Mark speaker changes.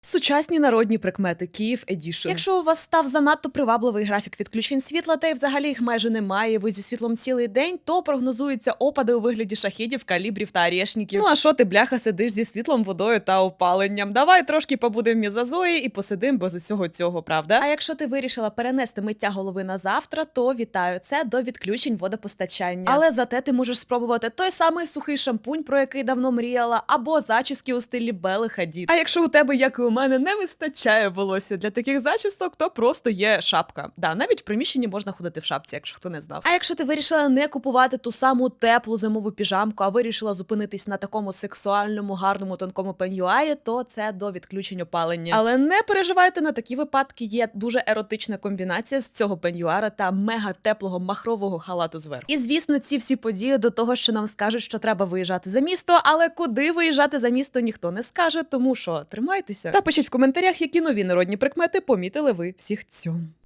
Speaker 1: Сучасні народні прикмети Київ Едішн. Якщо у вас став занадто привабливий графік відключень світла, та й взагалі їх майже немає, ви зі світлом цілий день, то прогнозуються опади у вигляді шахідів, калібрів та орешників. Ну а що ти, бляха, сидиш зі світлом, водою та опаленням? Давай трошки побудемо в мізозої і посидим без усього цього, правда? А якщо ти вирішила перенести миття голови на завтра, то вітаю, це до відключень водопостачання. Але зате ти можеш спробувати той самий сухий шампунь, про який давно мріяла, або зачіски у стилі Белли Хадід. А якщо у тебе, як і у мене, не вистачає волосся для таких зачісток, то просто є шапка. Да, навіть в приміщенні можна ходити в шапці, якщо хто не знав. А якщо ти вирішила не купувати ту саму теплу зимову піжамку, а вирішила зупинитись на такому сексуальному, гарному, тонкому пеньюарі, то це до відключень опалення. Але не переживайте, на такі випадки є дуже еротична комбінація з цього пеньюара та мега теплого махрового халату зверху. І звісно, ці всі події до того, що нам скажуть, що треба виїжджати за місто, але куди виїжджати за місто ніхто не скаже, тому що тримайтеся. Та пишіть в коментарях, які нові народні прикмети помітили ви всіх цьому.